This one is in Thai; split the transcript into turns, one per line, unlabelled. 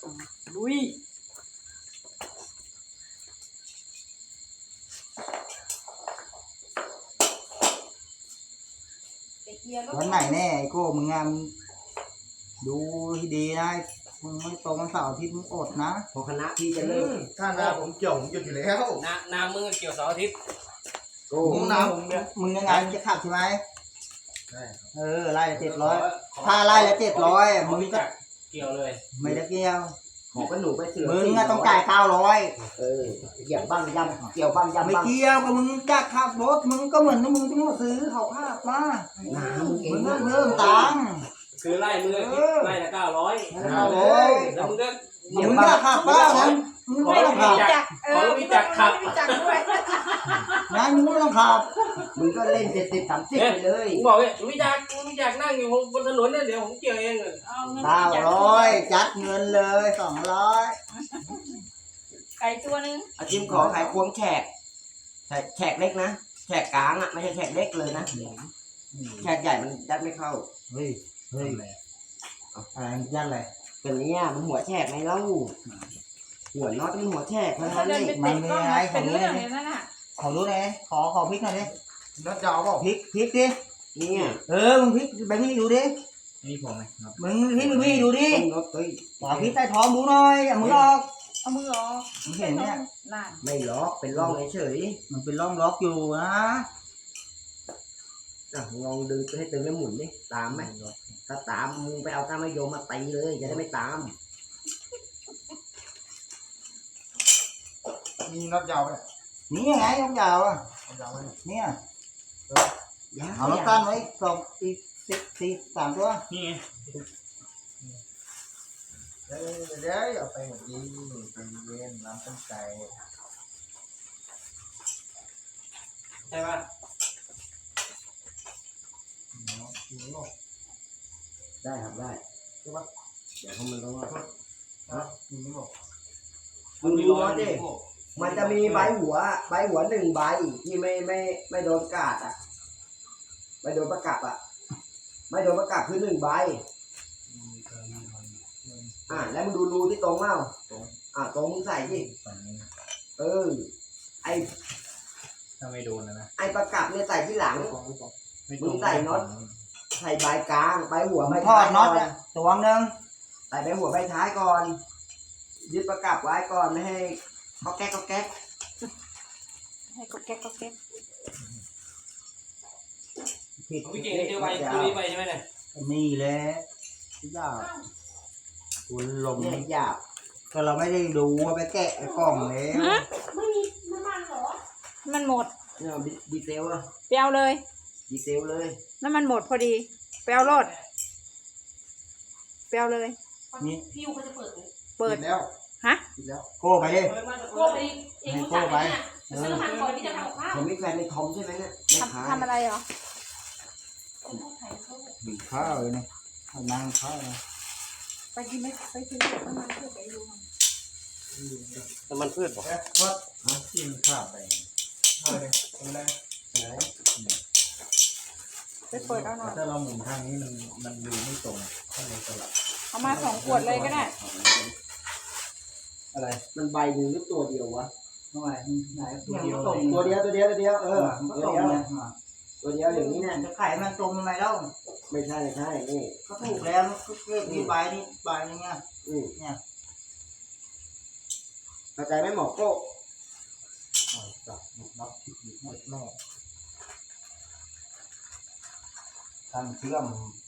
ลุย
วันไหนแน่ไอ้โก้มึงงามดูให้ดีนะมึงไม่ตรงวันเสาร์อาทิตย์มึงอดนะ
พอคณะพี่จะเลิก
ถ้านาผมเกี่ยวผมหยุดอยู่แล้ว
นามึงเกี่ยวเสาร์อาทิตย์
โอ้
มึงน้ำมึงยังไงจะขับใช่ไหม
ใช่ครับ
ไล่ละ700ถ้าไล่ละ700มึงก็
เกี่ยวเลย
ไม่ได้เกี่ยว
ขอกันหนูไปเสือ
มึงอะต้องจ่าย900
อย่างบ้างยำเกี่ยวบ้างยำ
ไม่
บ้าง
เกี่ยวกับมึงจะขับรถมึงก็เหมือนมึงต้องมาซื้อเขาขับมา
น้ำมึงเอ
มึ
ง
งต้องเพิ่มตังค์
คือไล่มึงไล่ละ900 แล้วมึงก็
มึงจะขับบ้างนะมึงไม่ต้องขับ
ขอรู้จักขับ
งั้นมึงไม่ต้องขับ
มึงก็เล่น70-30ไปเลย
ผมบอกเลยรู้จักนั่งอยู่บนถนนเนี่ยเดี๋ยวผมเกี่ยวเอง
900จัดเงินเลย200
ไก่ตัวนึง
อาชิมขอขายควงแขกแขกเล็กนะแขกกลางอ่ะไม่ใช่แขกเล็กเลยนะแขกใหญ่มันยัดไม่เข้า
เฮ้ยอะไรยันอะไร
ตัวนี้มันหัวแฉกไงเล่าหัวน็อตมันหัวแฉกเพราะฉะ
เขา
นั้น
เดิน
นี่
ไปเตะกล้องเป็นเรื่องเลยนั่นน่ะ
ขอรู้หน่อยขอพริกหน่อยดิ
นัดยาวเปล่า
พริกดิ
เนี่ย
มึงพริกไปพี่ดูดิ
นี่ผมไหมครับ
มึงพริกพี่ดูดิ
ต้นน็อตเฮ้ย
ขอพริกใต้ท้องดูหน่อยอย่ามือออก
เอามือออก
มึงเห็นเนี่ย
น่ะ
ไม่ล็อกเป็นร่องเฉย
มันเป็นร่องล็อกอยู่นะ
ลองดึงให้ตึงแล้วหมุนดิตามไหมถ้าตามมึงไปเอาก้านมะยมมาตีเลยจะได้ไม่ตาม
มีนัดยาวไหม
นี่ไงยกยาวอ่ะ
ยาวไหม
เนี่ยเอาน้ำตาลไว้อีก3 ตัว
นี่ไง
เดี๋ยวเอาไปหมดดีเป็นเย็นน้ำต้มไก่
ใช่ป่ะ
ได้ครับได้ใช่ปะเดี๋ยวมันต้องว่า
คุณไม่บอก
มึงดูน็อตดิมันจะมีใบหัว1ใบที่ไม่โดนกาดอ่ะไม่โดนประกับอ่ะไม่โดนประกับคือ1ใบแล้วมึงดูรูที่ตรงเปล่าตรงมึงใส่ดิไอ
ถ้าไม่โดนนะ
ไอประกับเนี่ยใส่ที่หลังมึงใส่น็อตใส่ใบกลางใบหัวใบ
ทอ
ท้า
ด
ย
น็อตตัวนึง
ใส่ใบหัวใบท้ายก่อนยึดประกับไว้ก่อนไม่ให้เขาแก๊ก
ให้ก็แก๊กก็แก๊ก
ผิด
พี่เก่งเจอไปตัวนี้ไปใช่ไหมเนี่ย
นี่แหละยากคุณลม
เนี่ยหยาบ
ก็เราไม่ได้ดูว่าไปแกะไอ้กล่องแล้ว
ไม่มีน้ำมันเหรอมันหมด
เนี่ยดีเซลอะ
ไปเอาเลย
ดีเซลเลย
น้ำมันหมดพอดีไปเอารถไปเอาเลย
นี่
พี่ยูเขาจะเปิดเลย
เปิด
แล้ว
ฮะ
แล้ว
โก้ไปดิ
กลัวไปเองรู้จักไหมเนี่ยซื้อหันก่อนที่จะทำกับข้าว
ผมมีแฟนเป็นทอมใช่ไหมเนี่ยแม่ค้า
ทำอะไรเหรอ
บีบข้าวเลยนะนั่งข้าวเลย
ไปกินไหมไปกินน้ำมันเพื่อไปดู
น้ำมันพืชบอก
วัดกินข้าวไปอะไรอะไร
ไปเปิดเอาหน่อย
ถ้าเราหมุนทางนี้มันดูไม่ตรงก็เลยสลับ
เอามา2 ขวดเลยก็ได้
อะไร
มันใบหนึ่งหรือตัวเดียววะ
ทำไมไหนตัว
ยัง
เดียว
ตรงตัวเดียวตัวเดียวตัวเดียว
มันก็
ตัว
ตรง
เดียว
เลย
ตัวเดียวอย่างนี้เนี่ย
จะขายมันตรงทำไมเล่า
ไม่ใช่นี่
ก็ถูกแล้วก็เรียกนี่ใบนี่ไง
เนี่ยเข้าใจไหมหมอโก้
จับน็อตผิดหมดแม่
ตั้งเชื่อม